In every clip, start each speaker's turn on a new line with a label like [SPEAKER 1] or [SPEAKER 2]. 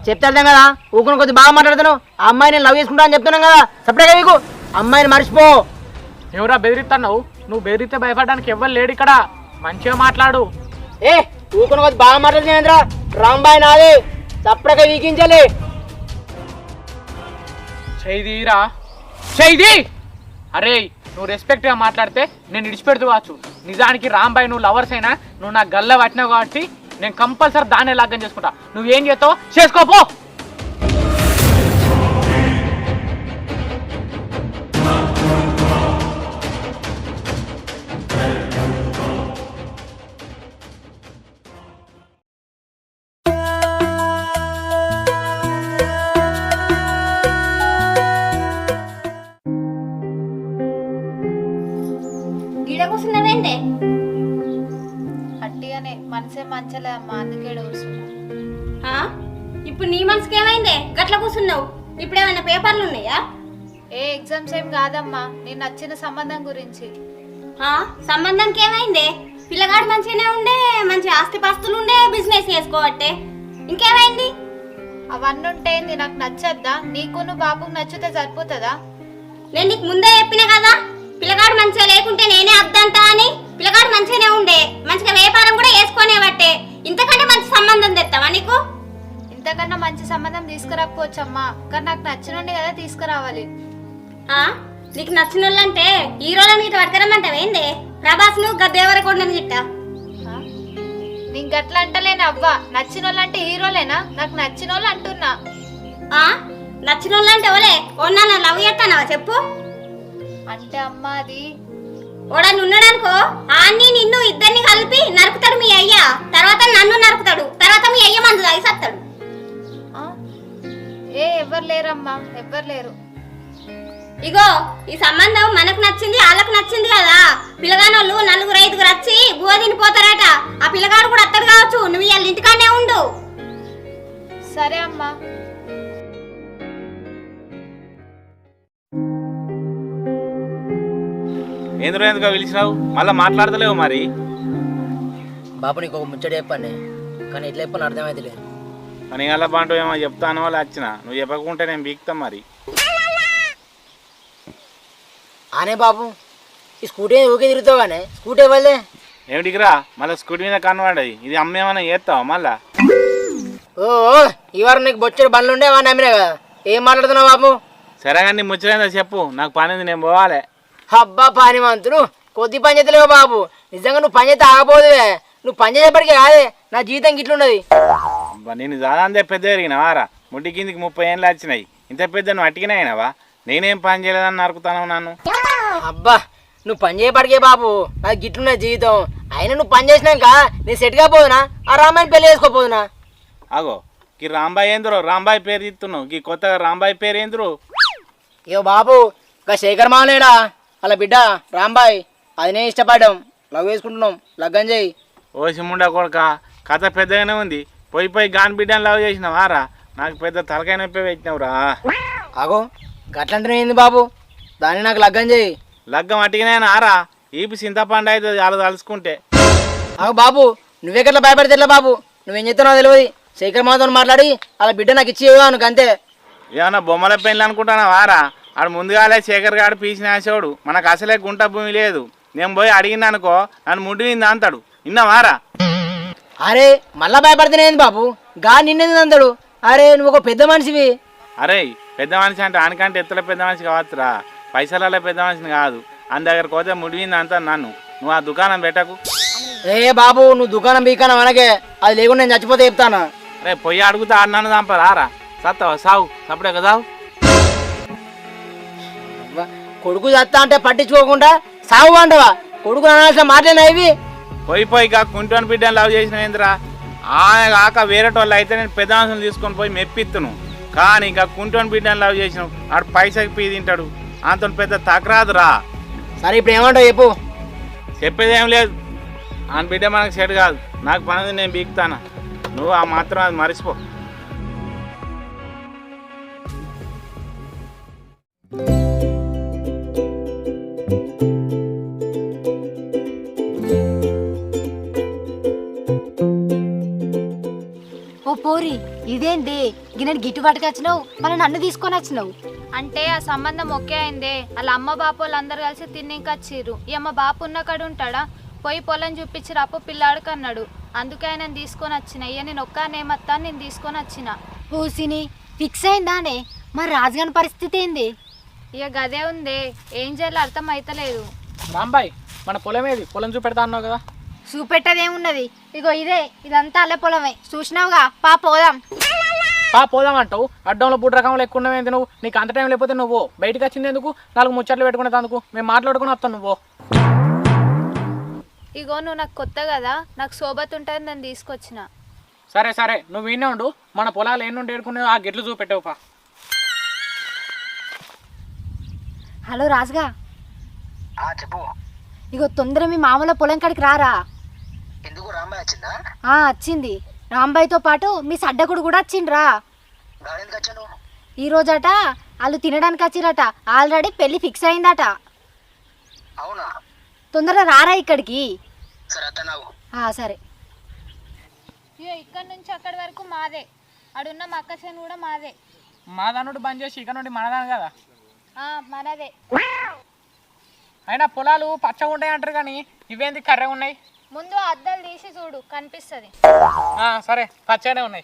[SPEAKER 1] చెప్తే అర్థం కదా. ఊకుని కొద్ది బాగా మాట్లాడుతున్నావు. ఆ అమ్మాయి నేను లవ్ చేసుకుంటా అని చెప్తున్నాను కదా. సపరేట్గా నీకు అమ్మాయిని మర్చిపో.
[SPEAKER 2] ఎవరా బెదిరిస్తున్నావు? నువ్వు బెదిరితే భయపడడానికి ఎవ్వరు లేడు ఇక్కడ. మంచిగా మాట్లాడు.
[SPEAKER 1] ఏ ఊకుని కొద్ది బాగా మాట్లాడుతున్నా రాంబాయ్ నాది. సపరేట్గా వీకించాలి.
[SPEAKER 2] చైదీరా చైదీ. అరే నువ్వు రెస్పెక్ట్గా మాట్లాడితే నేను ఇడిచిపెడుతూ కావచ్చు. నిజానికి రాంబాయ్ నువ్వు లవర్స్ అయినా నువ్వు నాకు గల్ల పట్టినావు కాబట్టి నేను కంపల్సరీ దాన్నే లగ్గం చేసుకుంటా. నువ్వేం చేస్తావు చేసుకోపో.
[SPEAKER 3] కూర్చున్నావేంటే?
[SPEAKER 4] అట్టిగానే మనసే మంచలే అమ్మ, అందుకే కూర్చున్నా.
[SPEAKER 3] ఇప్పుడు నీ మనసుకి ఏమైందే గట్ల కూర్చున్నావు? ఇప్పుడేమైనా పేపర్లు ఉన్నాయా?
[SPEAKER 4] ఏ ఎగ్జామ్స్ ఏం కాదమ్మా, నేను నచ్చిన సంబంధం గురించి.
[SPEAKER 3] సంబంధానికి ఏమైందే? పిల్లగాడు మంచిగానే ఉండే, మంచి ఆస్తిపాస్తులు ఉండే, బిజినెస్ చేసుకోవట్టే. ఇంకేమైంది?
[SPEAKER 4] అవన్నీ ఉంటే నాకు నచ్చద్దా? నీకు బాబుకు నచ్చితే సరిపోతుందా?
[SPEAKER 3] నేను నీకు ముందే చెప్పినా కదా, పిల్లగాడు మంచిగా లేకుంటే నేనే అద్దంటా అని. పిల్లగాడు మంచిగానే ఉండే, మంచిగా వ్యాపారం కూడా వేసుకునే బట్టే. ఇంతకంటే మంచి సంబంధం తెస్తావా నీకు?
[SPEAKER 4] ఇంతకన్నా మంచి సంబంధం తీసుకురాకపోవచ్చమ్మా, కానీ నాకు నచ్చినండి కదా తీసుకురావాలి.
[SPEAKER 3] నీకు నచ్చిన వాళ్ళంటే హీరోల మీద పడకరమ్మంటావేందే? ప్రభాస్ ను గద్దేవరకొండని చిట్ట.
[SPEAKER 4] నీకు గట్ల అంటలేను అవ్వా. నచ్చిన వాళ్ళంటే హీరోలేనా? నాకు నచ్చిన వాళ్ళు అంటున్నా.
[SPEAKER 3] నచ్చిన వాళ్ళంటే ఓలే ఓన్నా లవ్ చేస్తానావా చెప్పు?
[SPEAKER 4] అంటే అమ్మా అది
[SPEAKER 3] ఓడని ఉన్నాడనుకో, ఆన్ని నిన్ను ఇద్దరిని కలిపి నరుకుతాడు మీ అయ్య. తర్వాత నన్ను నరుకుతాడు. తర్వాత మీ అయ్య మందు తాగి సత్తాడు.
[SPEAKER 4] ఎవరు లేరమ్మా, ఎవ్వరు లేరు.
[SPEAKER 3] ఇగో ఈ సంబంధం మనకు నచ్చింది, వాళ్ళకు నచ్చింది కదా. పిల్లగానోళ్ళు 4-5 వచ్చి బువ తినిపోతారట. ఆ పిల్లగాడు కూడా అత్తడు కావచ్చు. నువ్వు వాళ్ళ ఇంటికానే ఉండు.
[SPEAKER 4] సరే అమ్మా.
[SPEAKER 5] ఎందుకు ఎందుకు పిలిచినావు? మళ్ళీ మాట్లాడతలేవు మరి?
[SPEAKER 1] బాబు నీకు ఒక ముచ్చట చెప్పండి, కానీ ఎట్లా చెప్పని అర్థమైతే లేదు.
[SPEAKER 5] అని అలా బాంటూ ఏమో చెప్తాను వాళ్ళు వచ్చిన. నువ్వు చెప్పకుంటే నేను బీక్తాం మరి.
[SPEAKER 1] అనే బాబు ఈ స్కూటీ ఊకే తిరుగుతావు కానీ స్కూటీ ఇవ్వలే
[SPEAKER 5] ఏమిటికిరా మళ్ళీ స్కూటీ మీద కనబడది. ఇది అమ్మేమన్నా చేస్తావా మళ్ళా?
[SPEAKER 1] ఓ ఈ వారం నీకు బొచ్చడు బండ్లు ఉండే వాడిని అమ్మినా కదా. ఏం మాట్లాడుతున్నావు బాబు?
[SPEAKER 5] సరే కానీ ముచ్చలేదో చెప్పు, నాకు పని ఉంది, నేను పోవాలి.
[SPEAKER 1] అబ్బా పానిమంతులు కొద్ది పని చేతలేవు బాబు. నిజంగా నువ్వు పని చేస్తే ఆగపోదువే. నువ్వు పని చేసేప్పటికీ కాదే నా జీవితం గిట్లున్నది.
[SPEAKER 5] నేను దాదాంతే పెద్ద ఎరిగినవారా? ముడ్డి కిందికి 30 ఏళ్ళు వచ్చినాయి. ఇంత పెద్ద నువ్వు అట్టికినా అయినావా? నేనేం పని చేయలేదని నరుకుతాను నన్ను.
[SPEAKER 1] అబ్బా నువ్వు పని చేయబడికే బాబు, నాకు గిట్లున్నది జీవితం. అయినా నువ్వు పని చేసినాక నేను సెట్ కాపోదునా? ఆ రామాయణ పెళ్లి చేసుకోపోదునా?
[SPEAKER 5] అగో ఈ రాంబాయ్ ఏంద్రో రాంబాయ్ పేరు ఇస్తున్నావు. ఈ కొత్తగా రాంబాయ్ పేరు ఏంద్రు?
[SPEAKER 1] ఇగో బాబు ఇంకా శేఖర్ మామలేడా అలా బిడ్డ రాంబాయ్, అది నేను ఇష్టపడ్డాం, లవ్ వేసుకుంటున్నాం, లగ్గం చేయి.
[SPEAKER 5] ఓ సిమ్ముండా కొడుక, కథ పెద్దగానే ఉంది. పోయి గాని బిడ్డని లవ్ చేసినావారా? నాకు పెద్ద తలకాయ నొప్పి పెట్టినావురా.
[SPEAKER 1] అగో గట్లంటే ఏంది బాబు, దాన్ని నాకు లగ్గం చేయి.
[SPEAKER 5] లగ్గం అట్టిగానే ఆరా? ఈపి చింతపండు అయితే చాలా తలుసుకుంటే.
[SPEAKER 1] అగో బాబు నువ్వెక్కట్లా భయపడితే ఎట్లా బాబు? నువ్వేం చెప్తున్నావు తెలియదు. శేఖర్ మాతో మాట్లాడి అలా బిడ్డ నాకు ఇచ్చి ఇవ్వను అంతే.
[SPEAKER 5] ఏమన్నా బొమ్మల పెళ్ళి అనుకుంటున్నావారా? ఆడు ముందుగాలే శేఖర్ గారు పీసినాసేవాడు. మనకు అసలే గుంట భూమి లేదు. నేను పోయి అడిగిన అనుకో నన్ను ముడ్డినింది అంటాడు. విన్నావారా?
[SPEAKER 1] అరే మళ్ళా భయపడితేనేంది బాబు, గా నిన్నది అంటాడు. అరే నువ్వు ఒక పెద్ద మనిషివి.
[SPEAKER 5] అరే పెద్ద మనిషి అంటే ఆనకంటే ఎత్తుల పెద్ద మనిషి కావచ్చురా, పైసలలో పెద్ద మనిషిని కాదు. అని దగ్గరకు పోతే ముడివింది అంతా నన్ను. నువ్వు ఆ దుకాణం పెట్టకు.
[SPEAKER 1] ఏ బాబు నువ్వు దుకాణం బీకానం అనకే, అది లేకుండా నేను చచ్చిపోతే చెప్తాను.
[SPEAKER 5] రే పొయ్యి అడుగుతా అన్నాను చంపరారా? సత్తావా సావు సప్పుడే కదా.
[SPEAKER 1] కొడుకు చస్తా అంటే పట్టించుకోకుండా సాగు అంటవా? కొడుకు అనాల్సిన మాటలేనా ఇవి?
[SPEAKER 5] పోయి కుంటోని బిడ్డను లవ్ చేసిన ఏందిరా? ఆయన కాక వేరేటోళ్ళు అయితే నేను పెద్ద మనుషులు తీసుకొని పోయి మెప్పిత్తును. కానీ ఇంకా కుంటోని బిడ్డను లవ్ చేసినావు, ఆడు పైసకి పీ తింటాడు. అంత పెద్ద తకరాదురా.
[SPEAKER 1] సరే ఇప్పుడు ఏమంటావు చెప్పు.
[SPEAKER 5] చెప్పేది ఏం లేదు. ఆయన బిడ్డ మనకు సెట్ కాదు. నాకు పని నేను బీక్తాను. నువ్వు ఆ మాత్రం అది మర్చిపో.
[SPEAKER 6] ఓ పోరి ఇదేంది గిన్నె గిట్టు పట్టుకొచ్చినావు మళ్ళీ నన్ను తీసుకొని వచ్చినావు.
[SPEAKER 4] అంటే ఆ సంబంధం ఒకే అయిందే. వాళ్ళ అమ్మ బాపు వాళ్ళందరూ కలిసి తిన్నింకొచ్చిర్రు. ఈ అమ్మ బాపు ఉన్న కాడు ఉంటాడా, పోయి పొలం చూపించిరు అప్పు పిల్లాడికి అన్నాడు. అందుకే ఆయన తీసుకొని వచ్చిన. ఇక నేను ఒక్కనేమత్తా నేను తీసుకొని వచ్చిన.
[SPEAKER 6] పూసిని ఫిక్స్ అయిందానే. మరి రాజుగారి పరిస్థితి ఏంది?
[SPEAKER 4] ఇక గదే ఉందే, ఏం చేయాలో అర్థం అయితలేదు.
[SPEAKER 2] రాంబాయ్ మన పొలం ఏది? పొలం చూపెడతా అన్నావు కదా.
[SPEAKER 6] చూపెట్టదేమున్నది, ఇగో ఇదే, ఇదంతా అల్లె పొలమే చూసినావుగా. పోదాం.
[SPEAKER 2] పోదాం అంటావు. అడ్డంలో బూట్ రకంలో ఎక్కువ ఉన్నవేంది నువ్వు? నీకు అంత టైం లేకపోతే నువ్వు బయటకు వచ్చింది ఎందుకు? 4 ముచ్చట్లు పెట్టుకునేది అందుకు. మేము మాట్లాడుకుని వస్తాను. నువ్వు
[SPEAKER 4] ఇగో నువ్వు నాకు కొత్త కదా, నాకు సోబత్ ఉంటుంది నేను తీసుకొచ్చిన.
[SPEAKER 2] సరే సరే నువ్వు వినే ఉండు. మన పొలాలు ఎన్నుండి ఏడుకునే ఆ గిట్లు చూపెట్టావుపా.
[SPEAKER 6] హలో రాజుగా,
[SPEAKER 1] చెప్పు.
[SPEAKER 6] ఇగో తొందర మీ మామూలు పొలం కాడికి రారా.
[SPEAKER 1] ఎందుకు రాంబాయ్ వచ్చిందా?
[SPEAKER 6] వచ్చింది. రాంబాయ్తో పాటు మీ సడ్డకుడు కూడా వచ్చిండ్రా. ఈ రోజట వాళ్ళు తినడానికి వచ్చిరట. ఆల్రెడీ పెళ్లి ఫిక్స్ అయిందట.
[SPEAKER 1] అవునా?
[SPEAKER 6] తొందరగా రారా ఇక్కడికి. సరే.
[SPEAKER 4] ఇగో ఇక్కడ నుంచి అక్కడి వరకు మాదే. అడున్న మక్కసేను కూడా మాదే.
[SPEAKER 2] మా దానుడు బంద్ చేసి ఇక్కడ నుండి మనదాను కదా.
[SPEAKER 4] మనదే.
[SPEAKER 2] అయినా పొలాలు పచ్చగా ఉంటాయి అంటారు కానీ ఇవేంది కర్రెగా ఉన్నాయి?
[SPEAKER 4] ముందు అద్దాలు తీసి చూడు కనిపిస్తుంది.
[SPEAKER 2] సరే పచ్చగానే ఉన్నాయి.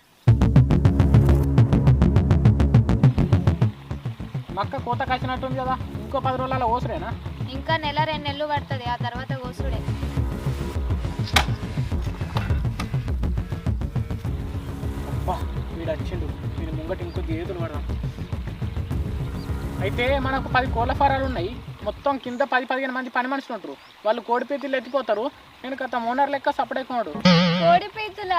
[SPEAKER 2] మక్క కోత కాసినట్టుంది కదా. ఇంకో 10 రోజులలో ఓసుడేనా?
[SPEAKER 4] ఇంకా నెల 2 నెలలు పడుతుంది. ఆ తర్వాత కోసుడే.
[SPEAKER 2] అబ్బా వీడు వచ్చిండు. వీడు ముంగటి ఇంకో గేతులు పడదాం. అయితే మనకు 10 కోళ్ళ ఫారాలు ఉన్నాయి. మొత్తం కింద 10-15 మంది పని మనుషులు ఉంటారు. వాళ్ళు కోడి పీతులు ఎత్తిపోతారు. నేను గత ఓనర్ లెక్క సపడేకున్నాడు.
[SPEAKER 4] కోడి పీతులా?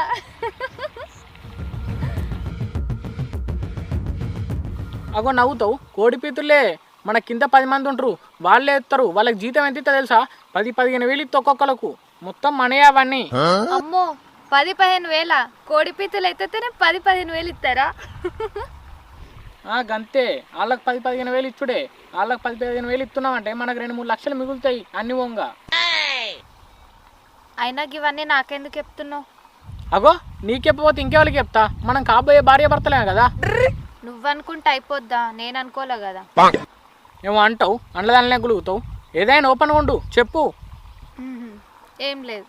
[SPEAKER 2] అగో నవ్వుతావు. కోడి పీతులే. మన కింద 10 మంది ఉంటారు. వాళ్ళే ఎత్తారు. వాళ్ళకి జీతం ఎంత తెలుసా? 10-15 వేలు ఇస్తే ఒక్కొక్కలకు. మొత్తం మనీ అవన్నీ.
[SPEAKER 4] అమ్మో 10-15 వేల కోడి పీతులు ఎత్తితేనే 10-15 వేలు ఇస్తారా?
[SPEAKER 2] గంతే. వాళ్ళకి 10-15 వేలు ఇచ్చుడే. వాళ్ళకి 10-15 వేలు ఇస్తున్నామంటే మనకు 2-3 లక్షలు మిగులుతాయి అన్ని వంగా.
[SPEAKER 4] అయినా ఇవన్నీ నాకెందుకు చెప్తున్నావు?
[SPEAKER 2] అగో నీకెప్పపోతే ఇంకెవరికి చెప్తా? మనం కాబోయే భార్య భర్తలే కదా.
[SPEAKER 4] నువ్వనుకుంటే అయిపోద్దా? నేను అనుకోలే కదా.
[SPEAKER 2] ఏమో అంటావు, అండ్లదానిలే గులుగుతావు. ఏదైనా ఓపెన్గా ఉండు, చెప్పు.
[SPEAKER 4] ఏం లేదు.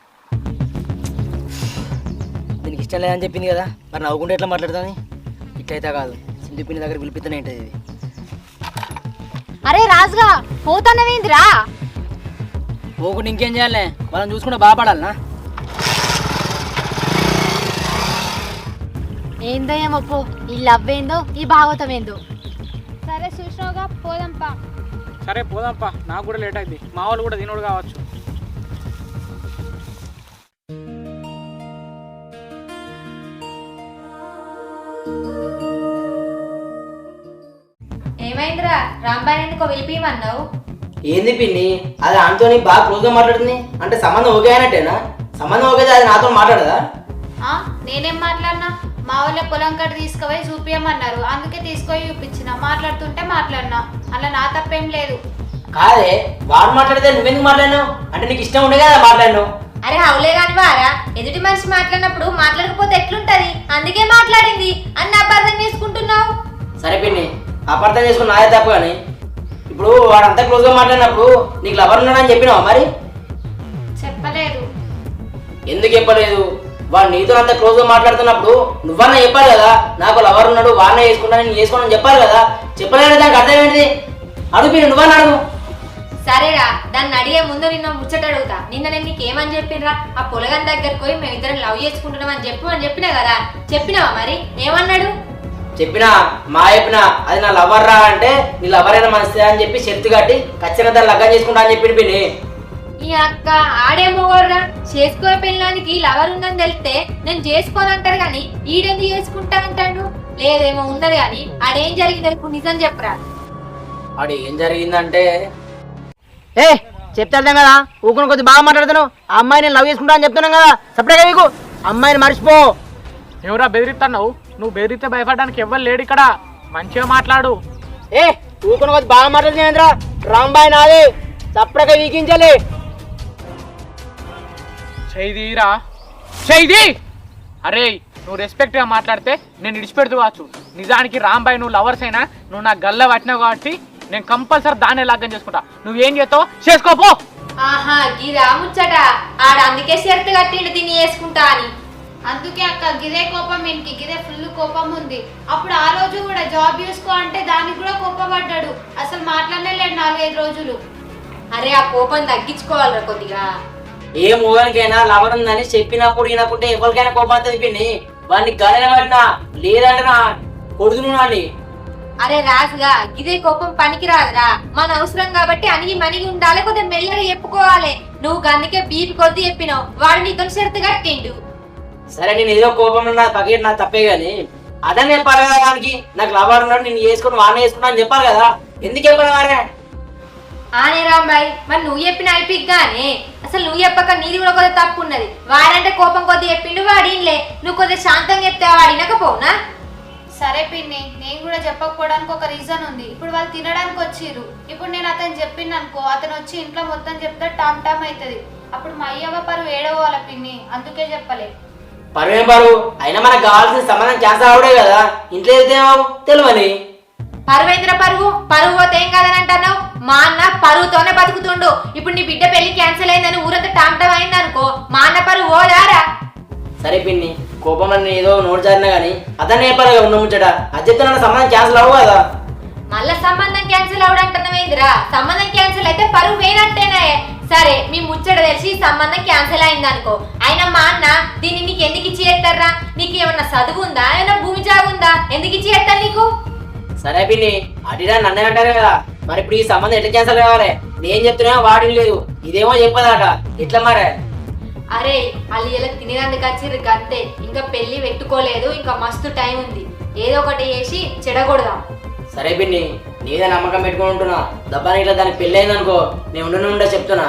[SPEAKER 1] దీనికి ఇష్టం లేదని చెప్పింది కదా, మరి నవ్వుకుంటే ఎట్లా మాట్లాడుతుంది? ఇట్లయితే కాదు, సింధు పిన్ని దగ్గర పిలిపిస్తూనే ఉంటుంది ఇది.
[SPEAKER 6] అరే రాజుగా పోతానవేందిరా?
[SPEAKER 1] పోకుండా ఇంకేం చేయాలి? వాళ్ళని చూసుకుంటే బాగుపడాలనా?
[SPEAKER 6] ఏందో ఏమో పో. ఈ లవ్ ఏందో, ఈ భాగవతం ఏందో.
[SPEAKER 4] సరే చూసినావుగా, పోదాంపా.
[SPEAKER 2] సరే పోదాంపా. నాకు కూడా లేట్ అయింది. మా వాళ్ళు కూడా తినోడు కావచ్చు.
[SPEAKER 3] ఏమైందిరా? రాంబాయ్ ఎందుకో పిలిపియమన్నావు?
[SPEAKER 1] ఏంది పిన్ని, అది ఆమెతో బాగా క్లోజ్గా మాట్లాడుతుంది అంటే సంబంధం ఓకే అయినట్టేనా? సంబంధం ఓకే అది నాతో మాట్లాడదా?
[SPEAKER 4] నేనేం మాట్లాడినా? మా వాళ్ళ పొలం కట్ట తీసుకుపోయి చూపించమన్నారు, అందుకే తీసుకొని చూపించిన. మాట్లాడుతుంటే మాట్లాడినా, అలా నా తప్పేం లేదు.
[SPEAKER 1] కాదే, వాడు మాట్లాడితే నువ్వెందుకు మాట్లాడినావు? అంటే నీకు ఇష్టం ఉండే కదా మాట్లాడినావు.
[SPEAKER 3] అరే అవులే కాని వారా, ఎదుటి మనిషి మాట్లాడినప్పుడు మాట్లాడకపోతే ఎట్లుంటది? అందుకే మాట్లాడింది అన్ని అపార్థం చేసుకుంటున్నావు.
[SPEAKER 1] సరే పిన్ని, అపార్థం చేసుకుని నాదే తప్పు. కానీ ఇప్పుడు వాడు అంతా క్లోజ్గా మాట్లాడినప్పుడు నీకు లవర్ ఉన్నాడని చెప్పినావా? మరి
[SPEAKER 4] చెప్పలేదు.
[SPEAKER 1] ఎందుకు చెప్పలేదు? వాడు నీతో అంత క్లోజ్గా మాట్లాడుతున్నప్పుడు నువ్వన్నా చెప్పాలి కదా, నాకు లవర్ ఉన్నాడు, వాడినే చేసుకుంటాను, నేను చేసుకోనని చెప్పాలి కదా. చెప్పలేదు, దానికి అర్థం ఏంటిది? అడుగు పిన్ని, నువ్వన్నా అడుగు.
[SPEAKER 3] సరేరా, దాన్ని అడిగే ముందు నిన్న ముచ్చట అడుగుతా. నిన్న నేను నీకేమని చెప్పిండ్రా? ఆ పొలగన్ దగ్గరకు పోయి మేమిద్దరం లవ్ చేసుకుంటున్నాం అని చెప్పినా కదా. చెప్పినావా? మరి ఏమన్నాడు?
[SPEAKER 1] చెప్పినా అది నా లవర్ రా అంటే, నీ లవర్ అయినా మంచిదే అని చెప్పి షర్తు కట్టి ఖచ్చితంగా దాన్ని లగ్గం చేసుకుంటా అని చెప్పి పిన్ని.
[SPEAKER 3] ఈ అక్క ఆడేమోగోర్రా, చేసుకో పెళ్ళానికి లవర్ ఉందని తెలిస్తే నేను చేసుకోనంటారు కానీ ఈడెందుకు చేసుకుంటా అంటాడు? లేదేమో ఉన్నది కానీ ఆడేం జరిగింది ఇప్పుడు నిజం చెప్పరా?
[SPEAKER 1] ఆడు ఏం జరిగిందంటే, చెప్తా కదా, ఊకుని కొద్ది బాగా మాట్లాడుతున్నావు. ఆ అమ్మాయి నేను లవ్ చేసుకుంటా అని చెప్తున్నాను కదా, సపరేట్గా నీకు అమ్మాయిని మర్చిపో.
[SPEAKER 2] ఎవరా బెదిరిస్తున్నావు? నువ్వు బెదిరితే భయపడడానికి ఎవ్వరు లేడు ఇక్కడ. మంచిగా మాట్లాడు.
[SPEAKER 1] ఊకుని కొద్ది బాగా మాట్లాడుతున్నా. రాంబాయ్ నాది, సపరేట్గా వీకించాలి.
[SPEAKER 2] చైదీరా చైదీ. అరే నువ్వు రెస్పెక్ట్గా మాట్లాడితే నేను విడిచిపెడుతూ కావచ్చు. నిజానికి రాంబాయ్ నువ్వు లవర్స్ అయినా నువ్వు నా గల్ల పట్టినావు కాబట్టి నేను కంపల్సరీ దాన్నే లగ్గం చేసుకుంటా. నువ్వేం చేస్తావు చేసుకోపో.
[SPEAKER 3] ఆహా గిరా ముచ్చట ఆడ అందుకే షరతు కట్టిండు దీన్ని వేసుకుంటా అని.
[SPEAKER 4] అందుకే అక్క గిదే కోపం ఇంటికి గిదే ఫుల్ కోపం ఉంది. అప్పుడు ఆ రోజు కూడా జాబ్ చూసుకో అంటే దానికి కూడా కోపపడ్డాడు. అసలు మాట్లాడనే లేడు 4-5 రోజులు.
[SPEAKER 3] అరే ఆ కోపం తగ్గించుకోవాలరా కొద్దిగా.
[SPEAKER 1] ఏ మూగానికైనా లవర్ ఉందని చెప్పినప్పుడు వినకుంటే ఎవరికైనా కోపం తెలిపింది. వాడిని గలన పడినా లేదంటే నా కొడుకును నాని.
[SPEAKER 3] అరే రాజుగా గిదే కోపం పనికి రాదురా. మన అవసరం కాబట్టి అనిగి మనిగి ఉండాలి, కొద్దిగా మెల్లగా చెప్పుకోవాలి. నువ్వు అందుకే బీపీ కొద్ది చెప్పినావు, వాడు నీతో షరతు కట్టిండు.
[SPEAKER 1] సరే నేను ఏదో కోపంలో నా పకెట్ నా తప్పే గాని అదే చెప్పాలి కదా వానికి. నాకు లవర్ ఉన్నాడు నేను చేసుకుని వాడిని వేసుకున్నా అని చెప్పాలి కదా. ఎందుకు చెప్పాలి వారే?
[SPEAKER 3] ఆనే రాంబాయ్ మరి నువ్వు చెప్పిన అయిపోయిగానే అసలు నువ్వు చెప్పక నీది కూడా కొద్దిగా తప్పు ఉన్నది. వాడంటే కోపం కొద్ది చెప్పిండు వాడిన్లే, నువ్వు కొద్దిగా శాంతంగా చెప్తే వాడినకపోనా?
[SPEAKER 4] సరే పిన్ని, నేను కూడా చెప్పకపోవడానికి ఒక రీజన్ ఉంది. ఇప్పుడు వాళ్ళు తినడానికి వచ్చిర్రు. ఇప్పుడు నేను అతను చెప్పింది అనుకో, అతను వచ్చి ఇంట్లో మొత్తం చెప్తే టామ్ టామ్ అవుతుంది. అప్పుడు మా అయ్యవ్వ పరువు ఏడవాలి పిన్ని, అందుకే చెప్పలే.
[SPEAKER 1] పరువేం పరువు అయినా మనకు కావాల్సిన సంబంధం క్యాన్సల్ అవడే కదా. ఇంట్లో వెళ్తే తెలియని
[SPEAKER 3] పరువేంద్ర పరువు పరువు పోతే ఏం కాదని అంటున్నావు? మా అన్న పరువుతోనే బతుకుతుండు. ఇప్పుడు నీ బిడ్డ పెళ్లి క్యాన్సిల్ అయిందని ఊరంతా టామ్టమ్ అయింది అనుకో, మా అన్న పరువు ఓదారా?
[SPEAKER 1] సరే పిన్ని కోపం అని ఏదో నోటు జారినా గానీ అతనే చెప్పాలి కదా ఉన్న ముచ్చట. అది చెప్తే నన్ను సంబంధం క్యాన్సిల్ అవ్వు కదా.
[SPEAKER 3] మళ్ళా సంబంధం క్యాన్సిల్ అవడంటున్నావేందిరా? సంబంధం క్యాన్సిల్ అయితే పరువు వేయనట్టేనే. సరే మీ ముచ్చట తెలిసి సంబంధం క్యాన్సిల్ అయింది అనుకో, అయినా మా అన్న దీన్ని నీకు ఎందుకు ఇచ్చి చేస్తారా? నీకు ఏమన్నా చదువు ఉందా, ఏమన్నా భూమి జాగుందా? ఎందుకు ఇచ్చి చేస్తాను నీకు?
[SPEAKER 1] సరే పిన్ని అడిగా నన్నే అంటారు కదా. మరి ఇప్పుడు ఈ సంబంధం ఎట్లా క్యాన్సిల్ కావాలి? నేను చెప్తున్నా వాడిని లేదు, ఇదేమో చెప్పదాట. ఎట్లా మరే?
[SPEAKER 3] అరే వాళ్ళు ఇలా తినేదందుకు వచ్చిర్రు అంతే, ఇంకా పెళ్లి పెట్టుకోలేదు, ఇంకా మస్తు టైం ఉంది. ఏదో ఒకటి చేసి చెడగొడదాం.
[SPEAKER 1] సరే పిన్ని నీదే నమ్మకం పెట్టుకుని ఉంటున్నా. దబ్బాని ఇట్లా దానికి పెళ్ళి అయింది అనుకో, నేను ఉండే చెప్తున్నా.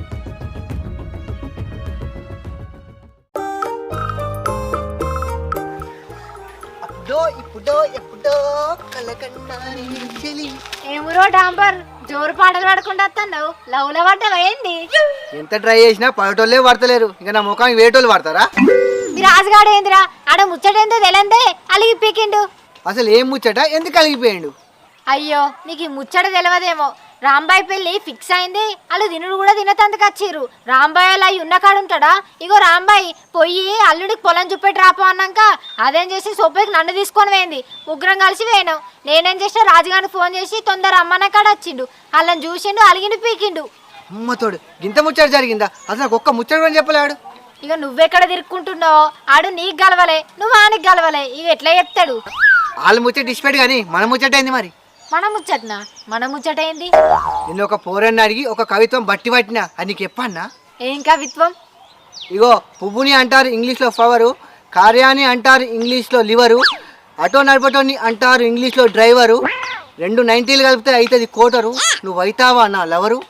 [SPEAKER 6] ఏమురో డాంబర్ జోరు పాటలు పడకుండా వస్తున్నావు, లవ్ లో పడ్డవేంది?
[SPEAKER 7] ఎంత ట్రై చేసినా పడటోళ్ళే పడతలేరు, ఇంకా నా ముఖానికి వేటోళ్ళు పడతారా?
[SPEAKER 6] మీ రాజుగాడు ఏందిరా ఆడ ముచ్చటేందో తెలియందే అలిగి పీకిండు.
[SPEAKER 7] అసలు ఏం ముచ్చట, ఎందుకు కలిగిపోయాడు?
[SPEAKER 6] అయ్యో నీకు ఈ ముచ్చట తెలియదేమో. రాంబాయ్ పెళ్లి ఫిక్స్ అయింది, వాళ్ళు తినుడు కూడా తినతందుకు వచ్చిర్రు. రాంబాయ్ అలా ఉన్న కాడు ఉంటాడా? ఇగో రాంబాయ్ పొయ్యి అల్లుడికి పొలం చూపెట్టి రాపో అన్నాక అదేం చేసి సొప్పకి నన్ను తీసుకొని పోయింది. ముగ్గురం కలిసి పోయినాం. నేనేం చేసినా రాజుగారికి ఫోన్ చేసి తొందర అమ్మన్న కాడ వచ్చిండు. వాళ్ళని చూసిండు, అలిగిండు, పీకిండు.
[SPEAKER 7] అమ్మతోడు ఇంత ముచ్చట జరిగిందా? అసలు నాకు ఒక్క ముచ్చట కూడా చెప్పలేడు.
[SPEAKER 6] ఇక నువ్వెక్కడ తిరుక్కుంటున్నావు? ఆడు నీకు గలవలే, నువ్వు ఆనికి గలవలే. ఇక ఎట్లా చెప్తాడు?
[SPEAKER 7] వాళ్ళు ముచ్చట డిస్పెట్ కానీ మన ముచ్చట అయింది. మరి
[SPEAKER 6] మన ముచ్చటనా? మన ముచ్చట ఏంది?
[SPEAKER 7] నిన్ను ఒక పోరన్ని అడిగి ఒక కవిత్వం బట్టి పట్టినా, అది నీకు చెప్పన్నా?
[SPEAKER 6] ఏం కవిత్వం?
[SPEAKER 7] ఇగో పువ్వుని అంటారు ఇంగ్లీష్లో ఫ్లవరు, కార్యాన్ని అంటారు ఇంగ్లీష్లో లివరు, ఆటో నడపటోని అంటారు ఇంగ్లీష్లో డ్రైవరు, 2 90లు కలిపితే అవుతుంది కోటరు, నువ్వు అవుతావా నా లవరు?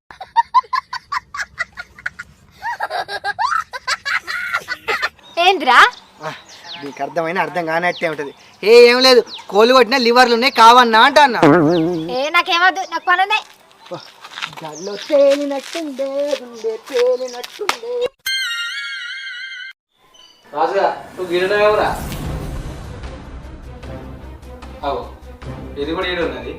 [SPEAKER 6] ఏంద్రా?
[SPEAKER 7] నీకు అర్థమైన అర్థం కానట్టే ఉంటుంది. ఏం లేదు, కోళ్ళు కొట్టిన లివర్లు ఉన్నాయి కావన్నా అంట అన్న.
[SPEAKER 6] నాకేమద్దు, నాకు పని ఉన్నాయి.
[SPEAKER 8] రాజుగా నువ్వు గిరినరా? అవు ఇది కూడా ఈడు ఉన్నది.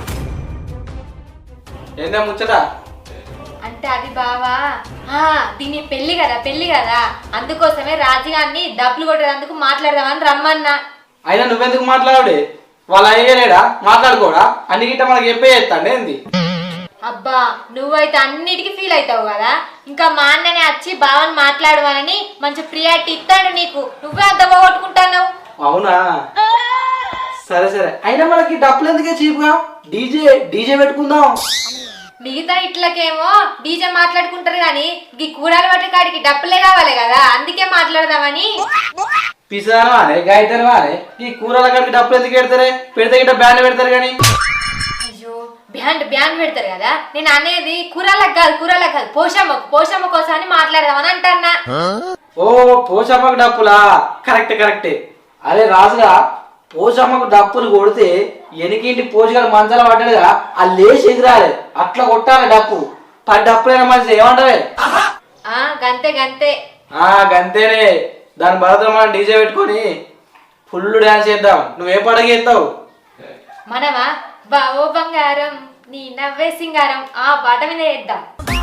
[SPEAKER 8] ఏందా ముచ్చట?
[SPEAKER 3] అంటే అది బావా దీని పెళ్లి కదా అందుకోసమే రాజుగారిని డబ్బులు కొట్టేందుకు మాట్లాడదామని రమ్మన్నా.
[SPEAKER 8] అయినా నువ్వెందుకు మాట్లాడే? వాళ్ళు అయ్యలేడా మాట్లాడుకోడా? అన్ని గిట్ట మనకి చెప్పే చేస్తాండి ఏంది?
[SPEAKER 3] అబ్బా నువ్వైతే అన్నిటికీ ఫీల్ అవుతావు కదా, ఇంకా మా అన్ననే వచ్చి బావని మాట్లాడమని మంచి ప్రియారిటీ ఇస్తాడు నీకు. నువ్వే అంత పోగొట్టుకుంటావు.
[SPEAKER 8] అవునా? సరే సరే, అయినా మనకి డబ్బులు ఎందుకే చీప్గా? డీజే పెట్టుకుందాం.
[SPEAKER 3] మిగతా ఇట్లకేమో డీజే మాట్లాడుకుంటారు కానీ ఈ కూరలు పట్టే కాడికి డబ్బులే కావాలి కదా, అందుకే మాట్లాడదామని.
[SPEAKER 8] పిసాను అనే గాయతను అనే ఈ కూరల కాడికి డబ్బులు ఎందుకు పెడతారే? పెడితే గిట్ట బ్యాండ్ పెడతారు కానీ.
[SPEAKER 3] అయ్యో బ్యాండ్ పెడతారు కదా, నేను అనేది కూరలకు కాదు పోషమ్మ కోసం అని మాట్లాడదామని అంటన్నా.
[SPEAKER 8] ఓ పోషమ్మకు డప్పులా? కరెక్టే. అరే రాజుగా పోషమ్మకు డప్పులు కొడితే ఎనికింటి పోషకాలు మంచాల పడ్డాడుగా ఆ లేచి ఎగిరాలి, అట్లా కొట్టాలి డప్పు. 10 డప్పులైన మనిషి ఏమంటారే?
[SPEAKER 3] గంతే
[SPEAKER 8] గంతేనే. దాని భరతం మనం డీజే పెట్టుకొని ఫుల్ డ్యాన్స్ చేద్దాం. నువ్వే పాటకి చేస్తావు?
[SPEAKER 3] మనమా బావో బంగారం నీ నవ్వే సింగారం ఆ పాట మీద వేద్దాం.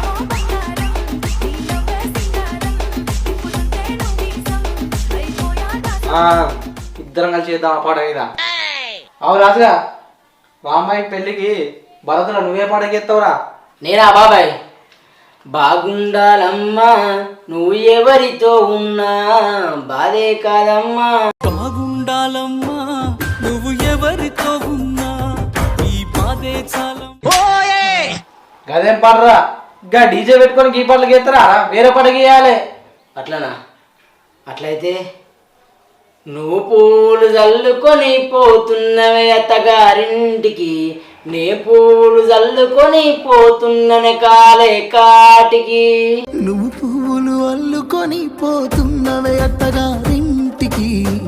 [SPEAKER 8] ఇద్దరం కలిసి చేద్దాం ఆ పాట మీద. అవు రాజుగా, రామ్మాయి పెళ్ళికి భరతులు నువ్వే పాటకి చేస్తావురా?
[SPEAKER 1] నేనా బాబాయ్? బాగుండాలమ్మా నువ్వు ఎవరితో ఉన్నా బాధే కాదమ్మా.
[SPEAKER 9] బాగుండాలమ్మా నువ్వు ఎవరితో ఉన్నా ఈ బాధే చాలం.
[SPEAKER 8] గదేం పాడరా? ఇంకా డీజే పెట్టుకొని ఈ పాటలు చేస్తారా? వేరే పాటకి చేయాలి.
[SPEAKER 1] అట్లనా? అట్లయితే నువ్వు పూలు చల్లుకొని పోతున్నవే అత్తగారింటికి, నే పూలు చల్లుకొని పోతున్ననే కాలే కాటికి.
[SPEAKER 9] నువ్వు పువ్వులు అల్లుకొని పోతున్నవే అత్తగారింటికి.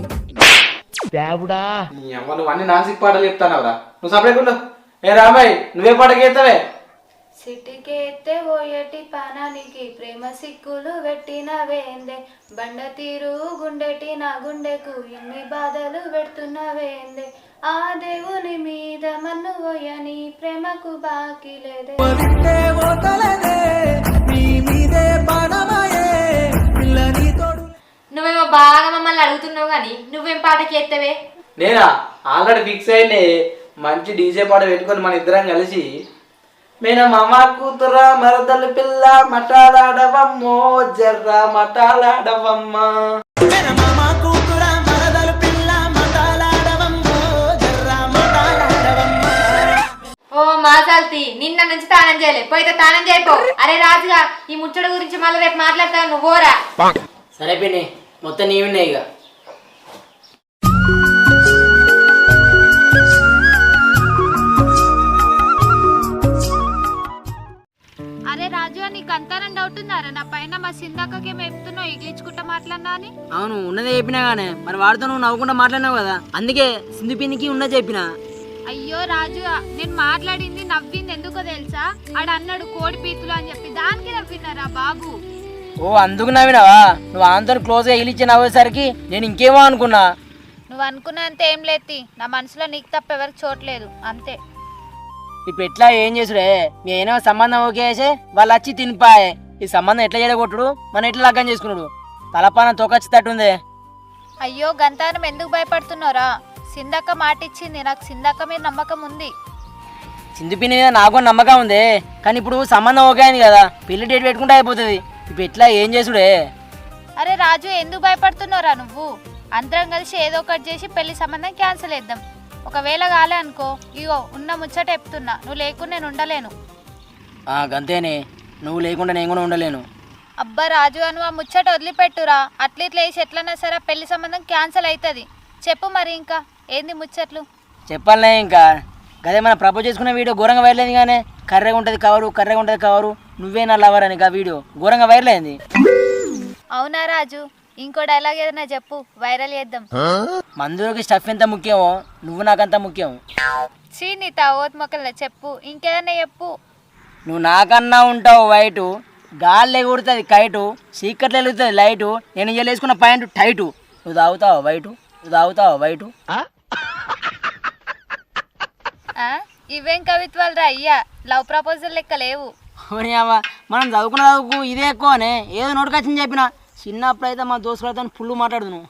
[SPEAKER 8] నీ అమ్మ నువ్వు అన్ని నాసిక్ పాటలు చెప్తానవరా? నువ్వు సపరేట్. ఏ రామాయ్ నువ్వే పాటకి చేస్తావే?
[SPEAKER 4] సిటికేస్తే ఓయటి పానానికి ప్రేమ సిక్కులు పెట్టిన వేందే, బండ తీరు గుండెటి నా గుండెకు ఎన్ని బాధలు పెడుతున్న వేందే, ఆ దేవుని మీద మన్ను పోయని ప్రేమకు బాకీ లేదే.
[SPEAKER 3] నువ్వేమో బాగా మమ్మల్ని అడుగుతున్నావు కానీ నువ్వేం పాటకి ఎత్తవే?
[SPEAKER 8] నేనా ఆల్రెడీ ఫిక్స్ అయింది. మంచి డీజే పాట పెట్టుకొని మన ఇద్దరం కలిసి మేన మామ కూతుర మరదలు పిల్ల మటాలాడవమ్మో జర్రా మటాలాడవమ్మా.
[SPEAKER 3] ఓ మాసాల్తి నిన్న నుంచి తానం చేయలే, పోయితే తానం చేయపో. అరే రాజుగా ఈ ముచ్చట గురించి మళ్ళీ రేపు మాట్లాడతావు, నువ్వు పోరా.
[SPEAKER 1] సరే పిన్ని, మొత్తం నీవినే ఇక.
[SPEAKER 4] అరే రాజు, నీకు అంతానం డౌట్ ఉందారా నా పైన? మా సిందాకకి ఏమో చెప్తున్నావు ఇగిలించుకుంటా మాట్లాడినా అని.
[SPEAKER 1] అవును ఉన్నదే చెప్పినా గానే, మరి వాడితో నువ్వు నవ్వుకుంటా మాట్లాడినావు కదా, అందుకే సింధు పిన్నికి ఉన్నది చెప్పిన.
[SPEAKER 4] అయ్యో రాజు, నేను మాట్లాడింది నవ్వింది ఎందుకో తెలుసా? ఆడ అన్నాడు కోడి పీతులు అని చెప్పి, దానికి నవ్వినారా బాబు?
[SPEAKER 1] ఓ అందుకు నవ్వినావా? నువ్వు ఆంతో క్లోజ్ గా ఇలిచ్చి నవ్వేసరికి నేను ఇంకేమో అనుకున్నా.
[SPEAKER 4] నువ్వు అనుకున్నంత ఏం లేతి, నా మనసులో నీకు తప్ప ఎవరికి చోట్లేదు అంతే.
[SPEAKER 1] ఇప్పుడు ఎట్లా ఏం చేసుడే? మీ అయినా సంబంధం ఓకే చేసే వాళ్ళు వచ్చి తినిపాయే. ఈ సంబంధం ఎట్లా చేయకొట్టుడు, మనం ఎట్లా లగ్గం చేసుకున్నాడు? తలపాన తొకొచ్చేటట్టుందే.
[SPEAKER 4] అయ్యో గంతానం ఎందుకు భయపడుతున్నారా? సిందక్క మాట ఇచ్చింది, నాకు సిందక్క మీద నమ్మకం ఉంది.
[SPEAKER 1] సింధు పిన్ని మీద నాకు నమ్మకం ఉంది, కానీ ఇప్పుడు సంబంధం ఓకే అయింది కదా, పెళ్లి డేట్ పెట్టుకుంటే అయిపోతుంది. ఇప్పుడు ఎట్లా ఏం చేసుడే?
[SPEAKER 4] అరే రాజు, ఎందుకు భయపడుతున్నారా నువ్వు? అందరం కలిసి ఏదో ఒకటి చేసి పెళ్లి సంబంధం క్యాన్సిల్ చేద్దాం. ఒకవేళ కాలే అనుకో, ఇగో ఉన్న ముచ్చట చెప్తున్నా, నువ్వు లేకుండా నేను ఉండలేను.
[SPEAKER 1] గంతేనే, నువ్వు లేకుండా నేను కూడా ఉండలేను.
[SPEAKER 4] అబ్బా రాజు, నువ్వు ఆ ముచ్చట వదిలిపెట్టురా. అట్లీట్లు వేసి ఎట్లన్నా సరే పెళ్లి సంబంధం క్యాన్సిల్ అవుతుంది. చెప్పు మరి ఇంకా ఏంది ముచ్చట్లు?
[SPEAKER 1] చెప్పాలనే ఇంకా గదే మన ప్రపోజ్ చేసుకున్న వీడియో ఘోరంగా వైరల్ అయింది. కానీ కర్రెగా ఉంటుంది కవరు నువ్వే నా లవర్ అని వీడియో ఘోరంగా వైరల్ అయింది.
[SPEAKER 4] అవునా రాజు? ఇంకో డైలాగ్ ఏదైనా చెప్పు, వైరల్ చేద్దాం.
[SPEAKER 1] మందులోకి స్టఫ్ ఎంత ముఖ్యమో నువ్వు నాకంత ముఖ్యం.
[SPEAKER 4] నీ తావోత్ మొక్కల చెప్పు, ఇంకేదన్నా చెప్పు.
[SPEAKER 1] నువ్వు నాకన్నా ఉంటావు వైటు, గాలి ఎగురుతుంది కైటు, చీకట్లు వెలుగుతుంది లైటు, నేను ఇయ్యలు వేసుకున్న పాయింట్ టైటు. నువ్వు తాగుతావు వైటు.
[SPEAKER 4] ఇవేం కవిత్వాలు రా అయ్యా, లవ్ ప్రపోజల్ లెక్క లేవు.
[SPEAKER 1] మనం చదువుకున్న చదువుకు ఇదే ఎక్కువనే, ఏదో నోటికొచ్చింది చెప్పిన. చిన్నప్పుడు అయితే మా దోస్తులతో ఫుల్ మాట్లాడుతున్నావు.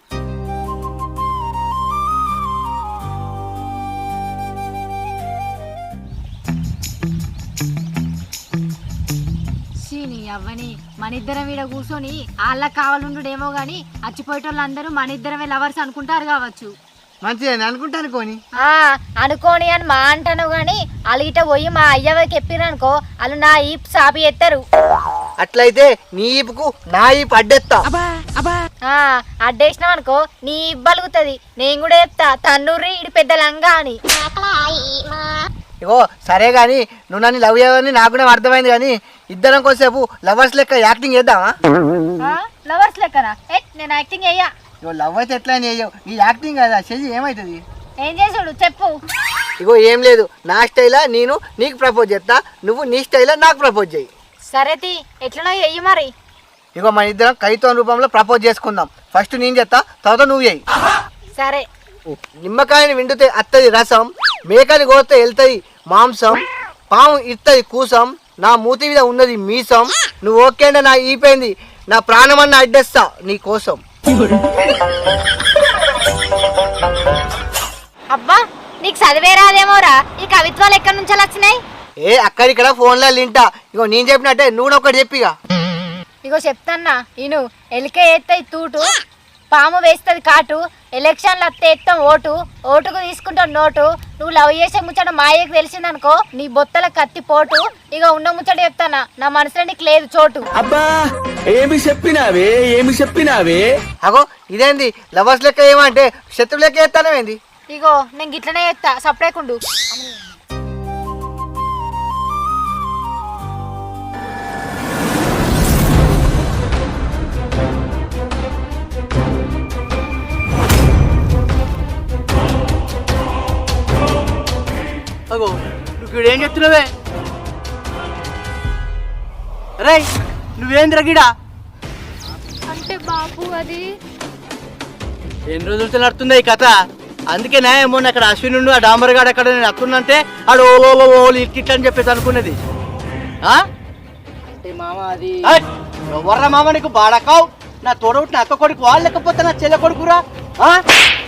[SPEAKER 6] నీ అవ్వని మన ఇద్దరం ఈడ కూర్చొని వాళ్ళకి కావాలండుడేమో గాని అచ్చిపోయేటోళ్ళందరూ మన ఇద్దరమే లవర్స్ అనుకుంటారు కావచ్చు.
[SPEAKER 7] మంచిగా అనుకుంటా అనుకోని
[SPEAKER 6] అనుకోని అని మా అంటాను గాని వాళ్ళు ఇట పోయి మా అయ్యవకి చెప్పిరనుకో, వాళ్ళు నా ఈపు సాపి ఎత్తారు.
[SPEAKER 7] అట్లయితే నీ ఈపుకు నా ఈపు అడ్డెత్తా.
[SPEAKER 6] అడ్డేసినావు అనుకో నీ ఇబ్బలుగుతుంది. నేను కూడా చెప్తా తన్నూరి ఇడి పెద్ద లంగా అని.
[SPEAKER 7] ఇగో సరే గాని నువ్వు నన్ను లవ్ చేయవని నాకు కూడా అర్థమైంది, కానీ ఇద్దరం కోసేపు లవర్స్ లెక్క యాక్టింగ్ చేద్దామా?
[SPEAKER 6] లవర్స్ లెక్కనా? నేను యాక్టింగ్ అయ్యా.
[SPEAKER 7] ఇగో లవ్ అయితే ఎట్లా చేయవు, నీ యాక్టింగ్ కదా చెయ్యి, ఏమవుతుంది?
[SPEAKER 6] ఏం చేసాడు చెప్పు.
[SPEAKER 7] ఇగో ఏం లేదు, నా స్టైలా నేను నీకు ప్రపోజ్ చేస్తా, నువ్వు నీ స్టైలా నాకు ప్రపోజ్ చెయ్యి.
[SPEAKER 6] సరే తీ, ఎట్లనో చెయ్యి మరి.
[SPEAKER 7] ఇగో మన ఇద్దరం కైతోన్ రూపంలో ప్రపోజ్ చేసుకుందాం. ఫస్ట్ నేను చేస్తా, తర్వాత నువ్వు చేయి.
[SPEAKER 6] సరే.
[SPEAKER 7] నిమ్మకాయని విండితే అత్తది రసం, మేకని కోస్తే వెళ్తుంది మాంసం, పాము ఇత్తది కూసం, నా మూతి మీద ఉన్నది మీసం, నువ్వు ఓకే అంటే నా ఈపోయింది, నా ప్రాణమన్న అడ్డేస్తా నీ కోసం.
[SPEAKER 6] అబ్బా నీకు చదివే రాదేమోరా, ఈ కవిత్వాలు ఎక్కడి నుంచి వచ్చినాయి?
[SPEAKER 7] ఏ అక్కడిక్కడ ఫోన్లో లింటా. ఇగో నేను చెప్పినట్టే నువ్వు ఒకటి చెప్పిగా.
[SPEAKER 6] ఇగో చెప్తాన్నా ఇను. ఎలికే ఎత్తది తూటు, పాము వేస్తుంది కాటు, ఎలక్షన్లు అత్తే ఎత్తాం ఓటు, ఓటుకు తీసుకుంటాం నోటు, నువ్వు లవ్ చేసే ముచ్చట మాయకు తెలిసిందనుకో నీ బొత్తల కత్తి పోటు. ఇక ఉన్న ముచ్చట చెప్తానా, నా మనసులో నీకు లేదు చోటు.
[SPEAKER 9] అబ్బా ఏమి చెప్పినావే.
[SPEAKER 7] అగో ఇదేంది లవర్స్ లెక్క ఏమంటే శత్రు లెక్క ఎత్తానేంది?
[SPEAKER 6] ఇగో నేను గిట్లనే చెప్తా, సపరేకుండు.
[SPEAKER 7] అగో నువ్వు ఏం చెప్తున్నావే? రే నువ్వేంద్ర గిడా?
[SPEAKER 4] అంటే బాపు అది
[SPEAKER 7] ఎన్ని రోజులతో నడుతుంది ఈ కథ? అందుకే ఏమో అక్కడ అశ్వినుడు ఆ డాంబర్గాడు అక్కడ నేను అత్తున్నంటే ఆడు ఓలు ఇట్లా అని చెప్పేసి అనుకున్నది.
[SPEAKER 1] అంటే మామ అది
[SPEAKER 7] ఎవర్రా మామ నీకు బాడకావు? నా తోడవుట్ నా అక్క కొడుకు వాళ్ళు లేకపోతే నా చెల్లె కొడుకురా.